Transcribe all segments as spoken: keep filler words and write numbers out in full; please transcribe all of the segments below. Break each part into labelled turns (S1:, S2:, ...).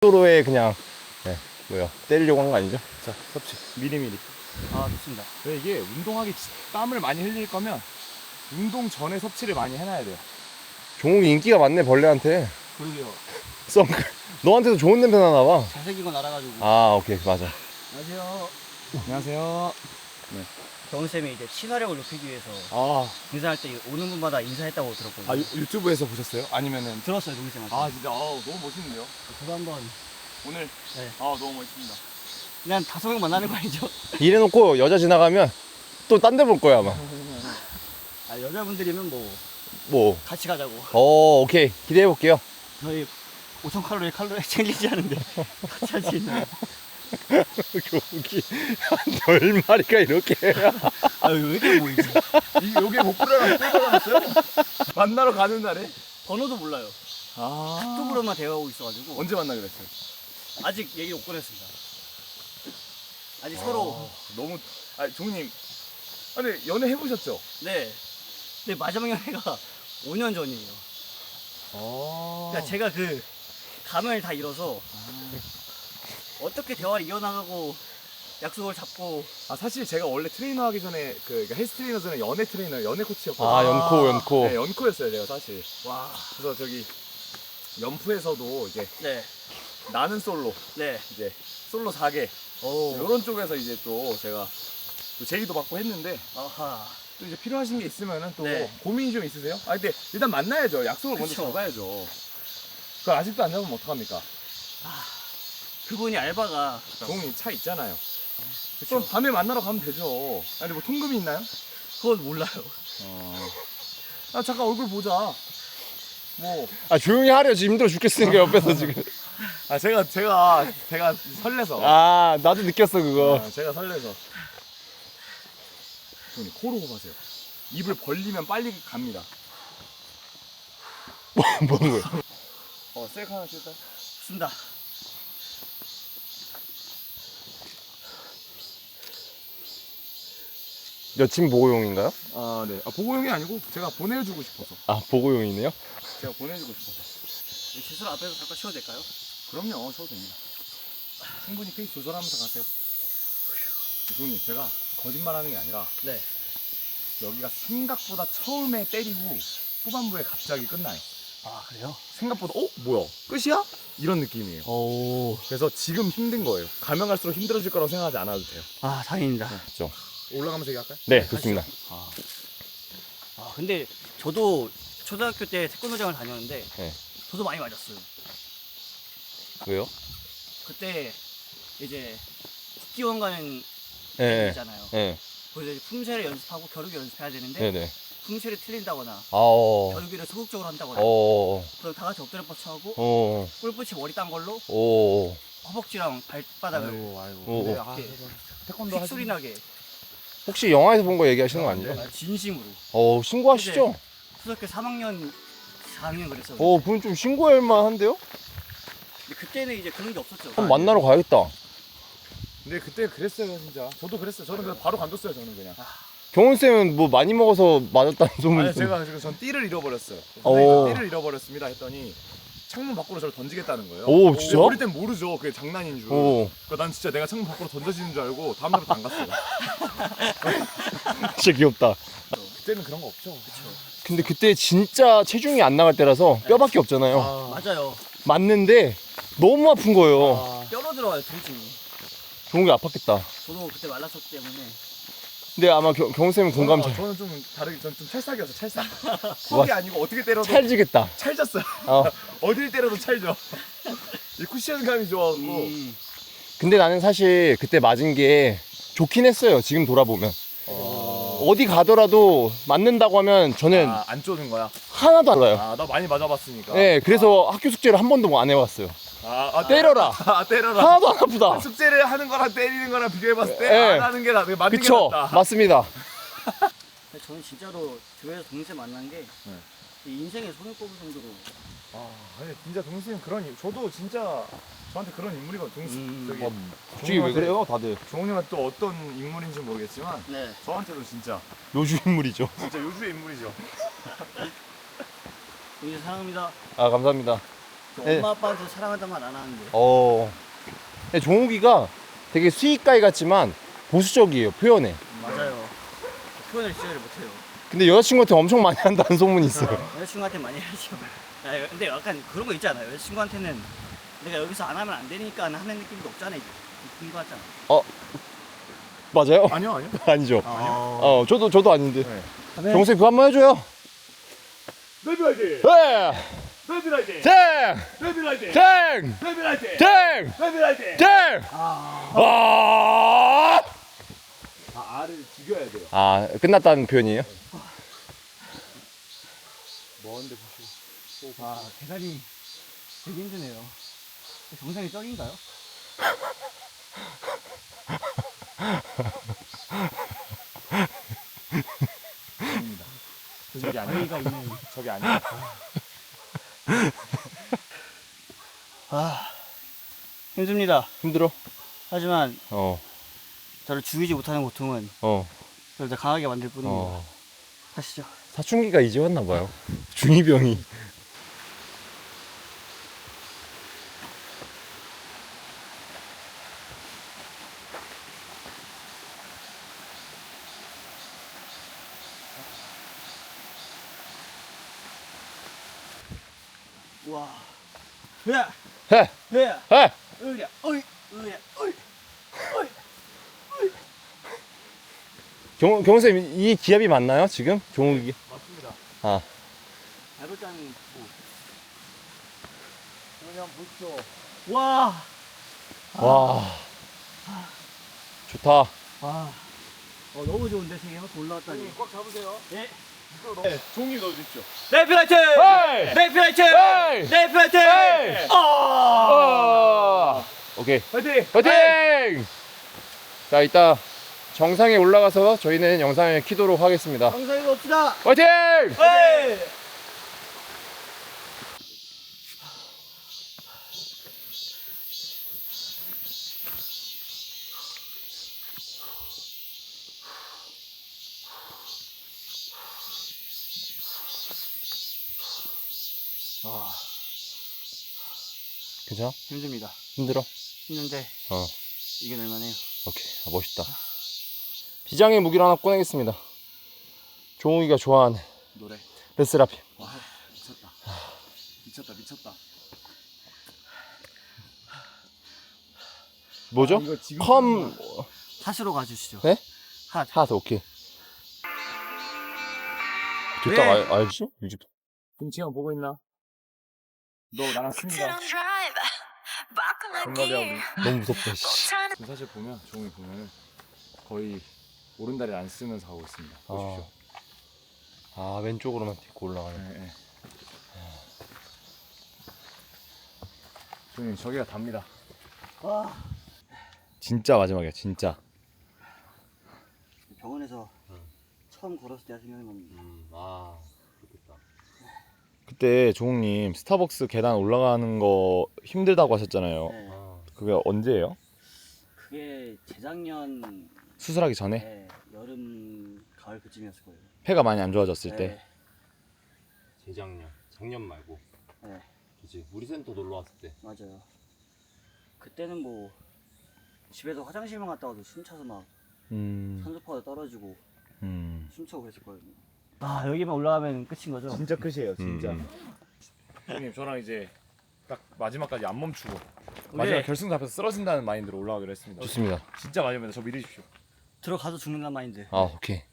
S1: 도로에 그냥 네, 뭐야 때리려고 한 거 아니죠? 자, 섭취 미리미리.
S2: 아, 좋습니다.
S3: 왜 이게 운동하기 땀을 많이 흘릴 거면 운동 전에 섭취를 많이 해놔야 돼요.
S1: 종욱이 인기가 많네 벌레한테.
S2: 그러게요.
S1: 썸 너한테도 좋은 냄새 나나 봐.
S2: 잘생긴 건 알아가지고.
S1: 아, 오케이, 맞아.
S2: 안녕하세요.
S3: 안녕하세요.
S2: 경훈쌤이 이제 시사력을 높이기 위해서
S3: 아,
S2: 인사할 때 오는 분마다 인사했다고 들었거든요.
S3: 아 유, 유튜브에서 보셨어요? 아니면은
S2: 들었어요, 동생한테.
S3: 아 진짜 아 너무 멋있는데요.
S2: 저도 한번
S3: 오늘
S2: 네.
S3: 아 너무 멋있습니다.
S2: 그냥 다섯 명 만나는 거 아니죠?
S1: 이래놓고 여자 지나가면 또 딴 데 볼 거야 아마.
S2: 아, 여자분들이면 뭐
S1: 뭐,
S2: 같이 가자고.
S1: 어, 오케이, 기대해 볼게요.
S2: 저희 오천 칼로리 칼로리 챙기지 않은데 같이 할 수 있나요?
S1: 종욱이 열 마리가 이렇게.
S2: 아유, 왜 이렇게 보이지?
S3: 이 여기 목표랑 뚫어놨어요? 만나러 가는 날에?
S2: 번호도 몰라요.
S3: 아
S2: 카톡으로만 대화하고 있어가지고
S3: 언제 만나 그랬어요?
S2: 아직 얘기 못 꺼냈습니다. 아직 서로
S3: 아, 너무 아 종님 아니 연애 해보셨죠?
S2: 네. 근데 마지막 연애가 오 년 전이에요.
S3: 아
S2: 그러니까 제가 그 감을 다 잃어서 어떻게 대화를 이어나가고 약속을 잡고.
S3: 아 사실 제가 원래 트레이너 하기 전에 그 그러니까 헬스 트레이너 전에 연애 트레이너 연애 코치였거든요.
S1: 아, 연코, 연코.
S3: 네, 연코였어요 제가 사실.
S2: 와.
S3: 그래서 저기 연프에서도 이제
S2: 네.
S3: 나는 솔로
S2: 네.
S3: 이제 솔로 사 개
S2: 오.
S3: 이런 쪽에서 이제 또 제가 또 제의도 받고 했는데
S2: 아하.
S3: 또 이제 필요하신 게 있으면은 또
S2: 네.
S3: 고민이 좀 있으세요? 아 근데 일단 만나야죠. 약속을 먼저
S2: 그쵸.
S3: 잡아야죠. 그걸 아직도 안 잡으면 어떡합니까?
S2: 아. 그분이 알바가
S3: 종이 차 있잖아요.
S2: 그쵸.
S3: 그럼 밤에 만나러 가면 되죠. 아니 뭐 통금이 있나요?
S2: 그건 몰라요.
S3: 어. 아 잠깐 얼굴 보자. 뭐.
S1: 아, 조용히 하려. 지금 힘들어 죽겠으니까 옆에서 지금.
S3: 아 제가 제가 제가 설레서.
S1: 아, 나도 느꼈어, 그거.
S3: 아, 제가 설레서. 형님 코로 호흡하세요. 입을 벌리면 빨리 갑니다.
S1: 뭐, 뭐는 거야?
S3: 어 셀카 하나 찍을까요?
S2: 좋습니다.
S1: 여친 보고용인가요?
S3: 아 네. 아 보고용이 아니고 제가 보내주고 싶어서.
S1: 아, 보고용이네요?
S3: 제가 보내주고 싶어서.
S2: 제술 앞에서 잠깐 쉬어도 될까요?
S3: 그럼요, 쉬어도 됩니다. 충분히 페이스 조절하면서 가세요. 교수님, 제가 거짓말하는 게 아니라
S2: 네.
S3: 여기가 생각보다 처음에 때리고 후반부에 갑자기 끝나요.
S2: 아, 그래요?
S3: 생각보다 어? 뭐야? 끝이야? 이런 느낌이에요.
S2: 오.
S3: 그래서 지금 힘든 거예요. 가면 갈수록 힘들어질 거라고 생각하지 않아도 돼요.
S2: 아, 다행입니다.
S1: 그렇죠.
S3: 올라가면서 얘기할까요?
S1: 네, 좋습니다.
S2: 아. 아, 근데 저도 초등학교 때 태권도장을 다녔는데
S1: 네.
S2: 저도 많이 맞았어요.
S1: 왜요?
S2: 그때 이제 국기원 가는
S1: 예,
S2: 애
S1: 예.
S2: 있잖아요.
S1: 예.
S2: 거기서 이제 품새를 연습하고 겨루기 연습해야 되는데
S1: 네네.
S2: 품새를 틀린다거나
S1: 아, 어.
S2: 겨루기를 소극적으로 한다거나
S1: 어,
S2: 그럼 다 같이 엎드려 뻗쳐하고
S1: 어,
S2: 뿔붙이 머리 딴 걸로
S1: 어,
S2: 허벅지랑 발바닥을
S3: 아이고, 아이고.
S1: 어,
S3: 근데
S1: 어.
S3: 아,
S2: 이렇게
S3: 태권도 하시
S2: 픽소리 나게.
S1: 혹시 영화에서 본 거 얘기하시는 거 아니죠?
S2: 아, 진심으로.
S1: 어, 신고하시죠?
S2: 초등학교 삼 학년 사 학년 그랬어요.
S1: 어, 그건 좀 신고할 만한데요?
S2: 근데 그때는 이제 그런 게 없었죠.
S1: 한번 만나러 가야겠다.
S3: 근데 그때 그랬어요, 진짜. 저도 그랬어요. 저는 그냥 바로 관뒀어요, 저는 그냥.
S1: 경훈쌤은 뭐 많이 먹어서 맞았다는 소문이
S3: 아니,
S1: 좀.
S3: 제가 지금 전 띠를 잃어버렸어요.
S1: 오.
S3: 선생님, 띠를 잃어버렸습니다 했더니 창문 밖으로 저를 던지겠다는 거예요.
S1: 오, 진짜?
S3: 어릴 땐 모르죠. 그게 장난인 줄.
S1: 오,
S3: 그러니까 난 진짜 내가 창문 밖으로 던져지는 줄 알고 다음날부터 안 갔어요.
S1: 진짜 귀엽다.
S3: 그때는 그런 거 없죠.
S1: 근데 그때 진짜 체중이 안 나갈 때라서 뼈밖에 없잖아요.
S3: 아,
S2: 맞아요.
S1: 맞는데 너무 아픈 거예요.
S3: 아,
S2: 뼈로 들어와요, 통증이.
S1: 종욱이 아팠겠다.
S2: 저도 그때 말랐었기 때문에.
S1: 근데 아마 경, 경훈쌤은 공감
S3: 어,
S1: 잘,
S3: 저는 좀 다르게 저는 좀 찰싹이었어. 찰싹. 퍽이 아니고 어떻게 때려도
S1: 찰지겠다.
S3: 찰졌어요.
S1: 어.
S3: 어딜 때려도 찰져. 이 쿠션감이 좋아갖고.
S2: 음.
S1: 근데 나는 사실 그때 맞은 게 좋긴 했어요. 지금 돌아보면.
S3: 어...
S1: 어디 가더라도 맞는다고 하면 저는
S3: 아, 안 쪼는 거야?
S1: 하나도 안 가요.
S3: 아, 나 많이 맞아봤으니까.
S1: 네, 그래서 학교 숙제를 한 번도 안 해봤어요.
S3: 아, 아,
S1: 때려라.
S3: 아, 때려라.
S1: 하나도 안 아프다.
S3: 숙제를 하는 거랑 때리는 거랑 비교해봤을 때
S1: 네.
S3: 안 하는 게 나, 맞는
S1: 그쵸?
S3: 게 낫다.
S1: 맞습니다.
S2: 근데 저는 진짜로 교회에서 동생 만난 게
S3: 네.
S2: 이 인생에 손을 꼽을 정도로.
S3: 아, 아니 진짜 동생 그런 인- 저도 진짜 저한테 그런 인물이거든요. 동생
S2: 음.
S3: 저기
S1: 어, 솔직히 왜 그래요, 다들?
S3: 종훈이가 또 어떤 인물인지 모르겠지만
S2: 네.
S3: 저한테도 진짜
S1: 요주 인물이죠.
S3: 진짜 요주의 인물이죠.
S2: 동생 사랑합니다.
S1: 아, 감사합니다.
S2: 저
S1: 네.
S2: 엄마 아빠한테 사랑한다는 말 안 하는데.
S1: 어. 근데 종욱이가 되게 수익가이 같지만 보수적이에요, 표현에.
S2: 맞아요. 표현을 진짜 잘 못해요.
S1: 근데 여자친구한테 엄청 많이 한다는 소문이 있어요.
S2: 여자친구한테 많이 하죠. 야, 근데 약간 그런 거 있지 않아요? 여자친구한테는 내가 여기서 안 하면 안 되니까 하는 느낌도 없잖아. 있는 거 같잖아.
S1: 맞아요?
S3: 아니요 아니요.
S1: 아니죠.
S2: 어.
S1: 어, 저도 저도 아닌데.
S3: 네.
S1: 정수님 그거 한번 해줘요.
S3: 레드라이트.
S1: 네.
S3: 레드라이트.
S1: 땡!
S3: 레드라이트.
S1: 땡!
S3: 레드라이트.
S1: 땡!
S3: 레드라이트.
S1: 땡!
S2: 아.
S1: 아!
S3: 아 알을 죽여야 돼요.
S1: 아, 끝났다는 표현이에요?
S3: 먼데 보시고.
S2: 와, 대단히 되게 힘드네요. 정상이 쩔인가요?
S3: 아닙니다. 저기 아니에요.
S2: 저희가 있는.
S3: 저기 아니에요.
S2: 아, 힘듭니다.
S1: 힘들어?
S2: 하지만
S1: 어,
S2: 저를 죽이지 못하는 고통은
S1: 어,
S2: 저를 더 강하게 만들 뿐입니다.
S1: 어.
S2: 하시죠.
S1: 사춘기가 이제 왔나봐요. 중이병이.
S2: 와. 으야!
S1: 해!
S2: 으야!
S1: 해!
S2: 으야! 어이! 으야! 어이! 어이!
S1: 경, 경선생님, 이 기압이 맞나요, 지금? 종욱이?
S3: 맞습니다.
S1: 아,
S2: 밟을 때는
S3: 그냥 보십시오.
S2: 뭐. 와!
S1: 와. 좋다.
S2: 와. 어, 너무 좋은데, 세개 한번 올라왔다니.
S3: 꽉 잡으세요.
S2: 예.
S3: 네, 종이 넣어주십시오.
S2: 레이피라이트!
S1: 헤이!
S2: 레이피라이트!
S1: 헤이!
S2: 레이피라이트!
S1: 헤이!
S2: 아!
S1: 아! 오케이.
S3: 파이팅!
S1: 화이팅! 자, 이따 정상에 올라가서 저희는 영상을 키도록 하겠습니다.
S2: 정상에 봅시다!
S1: 화이팅!
S2: 헤이! 와,
S1: 괜찮아?
S2: 힘듭니다.
S1: 힘들어?
S2: 힘든데
S1: 어.
S2: 이겨낼 만해요.
S1: 오케이. 아, 멋있다. 비장의 무기를 하나 꺼내겠습니다. 종욱이가 좋아하는
S3: 노래.
S1: 르세라핌.
S3: 와 미쳤다. 미쳤다 미쳤다.
S1: 뭐죠?
S3: 아, 이거 지금
S1: 컴
S2: 핫으로 가주시죠.
S1: 네?
S2: 핫.
S1: 하트 오케이. 됐다.
S2: 왜?
S1: 알, 알지? 요즘
S3: 김치형 보고 있나? 너 나랑 친구가
S4: 동갑이야 우리.
S1: 너무 무섭다. 씨.
S3: 지금 사실 보면 종이 보면은 거의 오른다리를 안 쓰면서 하고 있습니다. 보십시오.
S1: 아, 왼쪽으로만 딛고 올라가네.
S3: 네, 네. 종이 저기가 답니다.
S2: 와.
S1: 진짜 마지막이야, 진짜.
S2: 병원에서 처음 걸었을 때가 생각난 겁니다.
S1: 음, 아, 그렇겠다. 그때 종욱님 스타벅스 계단 올라가는 거 힘들다고 하셨잖아요.
S2: 네.
S1: 그게 언제예요?
S2: 그게 재작년
S1: 수술하기 전에?
S2: 네, 여름 가을 그쯤이었을 거예요.
S1: 폐가 많이 안 좋아졌을
S2: 네.
S1: 때.
S5: 재작년, 작년 말고.
S2: 네,
S5: 그치. 우리 센터 놀러 왔을 때.
S2: 맞아요. 그때는 뭐 집에서 화장실만 갔다 와도 숨차서 막
S1: 음,
S2: 산소파가 떨어지고
S1: 음.
S2: 숨차고 그랬을 거예요. 아, 여기만 올라가면 끝인 거죠?
S3: 진짜 끝이에요, 진짜.
S1: 음.
S3: 형님 저랑 이제 딱 마지막까지 안 멈추고
S2: 네.
S3: 마지막 결승 앞에서 쓰러진다는 마인드로 올라가기로 했습니다.
S1: 좋습니다.
S3: 진짜 마지막에 저 믿으십시오.
S2: 들어가서 죽는다는 마인드.
S1: 아, 오케이.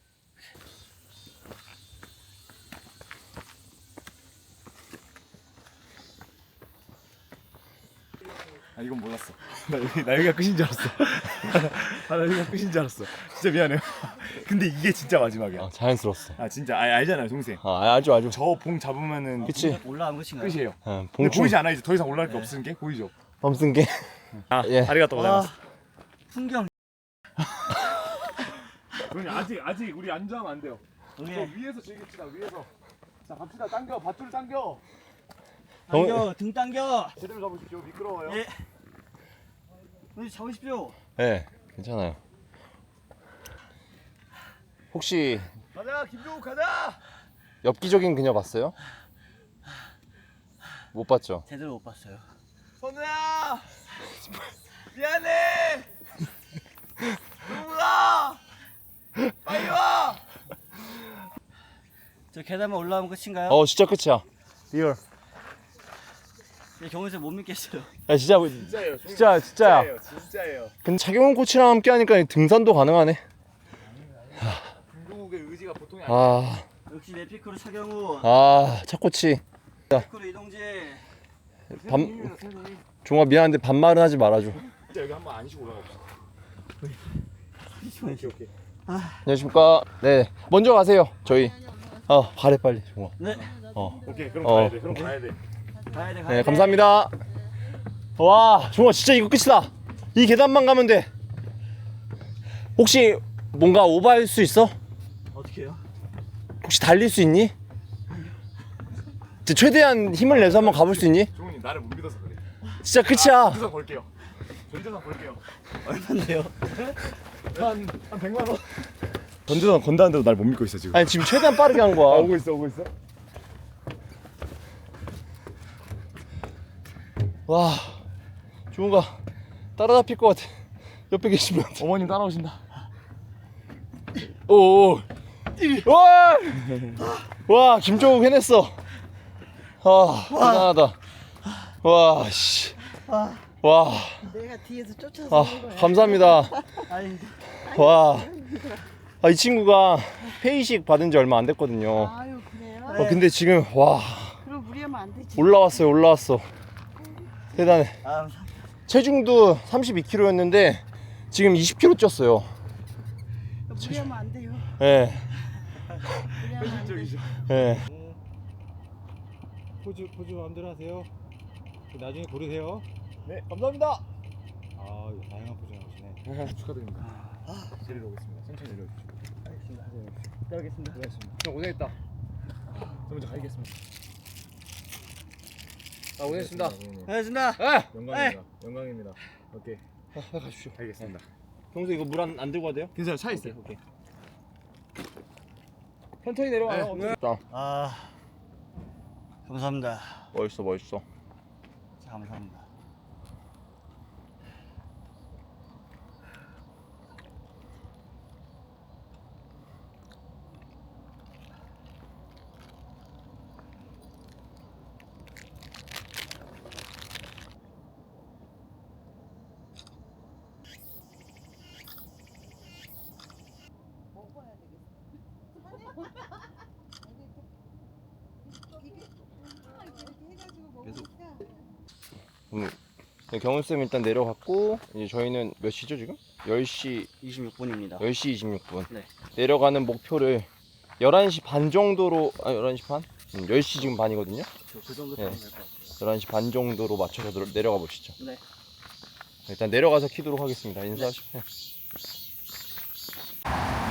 S3: 아 이건 몰랐어. 나 여기 나 여기가 끝인 줄 알았어. 아, 나 여기가 끝인 줄 알았어. 진짜 미안해요. 근데 이게 진짜 마지막이야.
S1: 아, 자연스러웠어.
S3: 아 진짜 아, 알잖아요, 동생.
S1: 아, 알죠, 알죠.
S3: 저 봉 잡으면은
S1: 그치?
S2: 올라간 끝인가요?
S3: 끝이에요.
S1: 어,
S3: 근데
S1: 봉충
S3: 보이지 않아 이제 더 이상 올라갈 게
S2: 네.
S3: 없는 게 보이죠?
S1: 범쓴 게.
S3: 아,
S1: 예.
S3: 아리가또
S2: 와,
S3: 고자이마스.
S2: 풍경.
S3: 형님 아직 아직 우리 안주하면 안 돼요.
S2: 여기
S3: 저 위에서 즐깁시다. 위에서. 자 갑시다. 당겨 밧줄 당겨.
S2: 당겨, 등 당겨.
S3: 제대로 잡으십시오. 미끄러워요.
S2: 예. 오늘 잡으십시오.
S1: 네, 괜찮아요. 혹시
S3: 가자 김종욱 가자.
S1: 엽기적인 그녀 봤어요? 못 봤죠?
S2: 제대로 못 봤어요.
S3: 선우야 미안해. 동우가 빨리 와.
S2: 저 계단만 올라오면 끝인가요?
S1: 어 진짜 끝이야. 리얼.
S2: 네, 경훈쌤 못 믿겠어요.
S1: 야 진짜
S3: 진짜예요.
S1: 진짜 진짜야.
S3: 진짜예요. 진짜예요.
S1: 근데 차경원 코치랑 함께 하니까 등산도 가능하네.
S3: 김동욱의 의지가 보통이 아니야.
S1: 아,
S2: 역시 내 피크로 차경우,
S1: 아, 차 코치.
S2: 피크로 이동재.
S1: 반 종아 미안한데 반말은 하지 말아줘.
S3: 진짜 여기 한번 안시고 올라가 봅시다. 오케이 오케이.
S1: 안녕하십니까. 네, 먼저 가세요. 저희. 어, 가래 빨리 종아.
S2: 네.
S1: 어,
S3: 오케이 그럼
S1: 어.
S3: 가야 돼. 그럼 가야 돼.
S2: 가야 돼, 가야
S1: 네,
S2: 돼.
S1: 감사합니다. 와, 종아 진짜 이거 끝이다. 이 계단만 가면 돼. 혹시 뭔가 오버할 수 있어?
S2: 어떻게 해요?
S1: 혹시 달릴 수 있니? 진짜 최대한 힘을 내서 한번 가볼 수 있니?
S3: 종훈이 나를 못 믿어서 그래.
S1: 진짜 끝이야.
S3: 전재산 볼게요. 전재산 볼게요.
S2: 얼마인데요?
S3: 한한 백만 원. 전재산 건다는데도 날 못 믿고 있어 지금.
S1: 아니 지금 최대한 빠르게 한 거야.
S3: 아, 오고 있어 오고 있어.
S1: 와, 종우가 따라잡힐 것 같아. 옆에 계시면.
S3: 어머님 따라오신다.
S1: 오, 와, 와, 김종욱 해냈어. 아, 대단하다. 와, 씨, 와,
S4: 내가 뒤에서 쫓아서
S1: 아,
S4: 온 거야.
S1: 감사합니다.
S2: 아니,
S1: 와, 아, 이 친구가 페이식 받은 지 얼마 안 됐거든요.
S4: 아유 그래요?
S1: 어, 근데 지금 와
S4: 그럼 무리하면 안 되지.
S1: 올라왔어요, 올라왔어. 대단해.
S2: 아, 감사합니다.
S1: 체중도 삼십이 킬로였는데 지금 이십 킬로그램 쪘어요.
S4: 무리하면 안 돼요.
S1: 예,
S4: 무리하면 안 돼.
S1: 예.
S6: 포즈 포즈 마음대로 하세요. 나중에 고르세요.
S3: 네 감사합니다.
S6: 아 이거 다양한 포즈 나오시네.
S3: 축하드립니다. 내리러 오겠습니다. 천천히 내려주시고.
S2: 알겠습니다. 들어가겠습니다.
S3: 고맙습니다.
S1: 형 고생했다.
S3: 저 먼저 가겠습니다.
S1: 아, 고생했습니다.
S2: 알겠습니다.
S1: 예.
S3: 영광입니다. 영광입니다. 오케이.
S1: 아, 가십시오.
S3: 알겠습니다.
S1: 평소 이거 물 안 안 들고 가도 돼요?
S3: 괜찮아요. 차 있어요.
S1: 오케이.
S3: 천천히 내려와요.
S1: 네. 자,
S2: 아, 감사합니다.
S1: 멋있어, 멋있어.
S2: 진짜 감사합니다.
S1: 음, 네, 경훈 쌤 일단 내려갔고 이제 저희는 몇 시죠 지금? 열 시
S2: 이십육 분입니다.
S1: 열 시 이십육 분.
S2: 네.
S1: 내려가는 목표를 열한 시 반 정도로 아 열한 시 반? 음, 열 시 지금 반이거든요.
S2: 그 정도
S1: 네.
S2: 되면 될것 같아요.
S1: 열한 시 반 정도로 맞춰서 내려- 내려가 보시죠.
S2: 네.
S1: 일단 내려가서 키도록 하겠습니다. 인사하시고. 네.